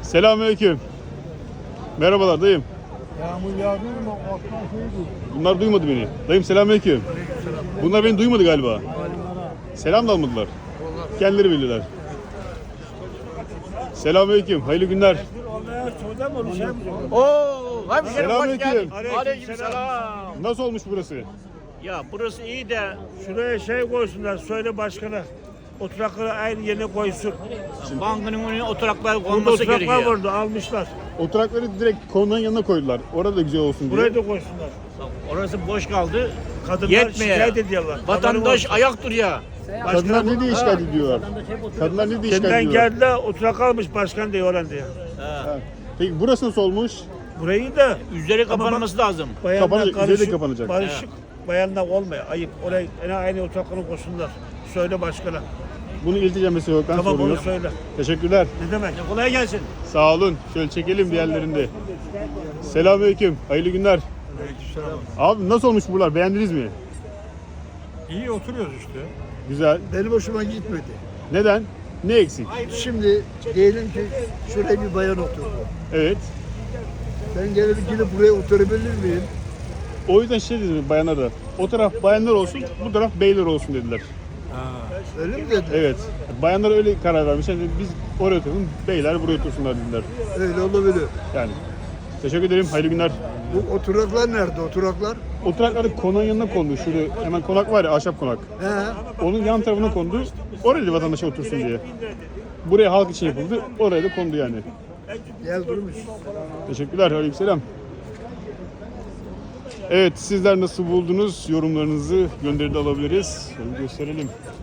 Selamünaleyküm. Merhabalar dayım. Yağmur yağdı mı? Alttan şeydi. Bunlar duymadı beni. Dayım selamünaleyküm. Bunlar beni duymadı galiba. Selam da almadılar. Kendileri bilirler. Selamünaleyküm. Hayırlı günler. Oo, hemşerim hoş Selamünaleyküm. geldin. Aleykümselam. Nasıl olmuş burası? Ya burası iyi de Şuraya şey koysunlar, söyle başkana. Oturakları aynı yerine koysun. bankının önüne oturaklar Burada konması oturaklar gerekiyor. vardı, almışlar. Oturakları direkt konunun yanına koydular. Orada da güzel olsun diye. Buraya da koysunlar. Orası boş kaldı. Kadınlar Yetmiyor. şikayet ediyorlar. Vatandaş Haberin ayak duruyor. Kadınlar ne diye şikayet ediyorlar? Kadınlar ne diye olsun. şikayet Kendinden ediyorlar? geldiler, oturak almış başkan diye oran diye. Ha. Peki burası nasıl olmuş? Burayı da Üzeri kapanması lazım. bayanlar Kapanacak, üzeri karışık, kapanacak. barışık. Bayanlar olmuyor, ayıp. Oraya aynı oturakları koysunlar. Söyle başkana. Bunu ilticam mesela yok. Ben Tamam onu soruyorum. söyle. Teşekkürler. Ne demek? Kolay gelsin. Sağ olun. Şöyle çekelim diğerlerinde. Selamünaleyküm. Hayırlı günler. Abi nasıl olmuş buralar? Beğendiniz mi? İyi oturuyoruz işte. Güzel. Benim hoşuma gitmedi. Neden? Ne eksik? Şimdi diyelim ki şuraya bir bayan oturdu. Evet. Ben gelip gidip buraya oturabilir miyim? O yüzden şey dedim bayanlara da. O taraf bayanlar olsun, bu taraf beyler olsun dediler. Öyle mi dedi? Evet. Bayanlar öyle karar vermiş. Yani biz oraya oturalım, beyler buraya otursunlar dediler. Öyle olabilir. Yani. Teşekkür ederim. Hayırlı günler. Bu oturaklar nerede? Oturaklar? Oturakları konağın yanına kondu. Şurada hemen konak var ya, ahşap konak. He. Onun yan tarafına kondu. Oraya da vatandaşa otursun diye. Buraya halk için yapıldı. Oraya da kondu yani. Gel durmuş. Teşekkürler. Aleykümselam. Evet, sizler nasıl buldunuz? Yorumlarınızı gönderide alabiliriz. Şöyle gösterelim.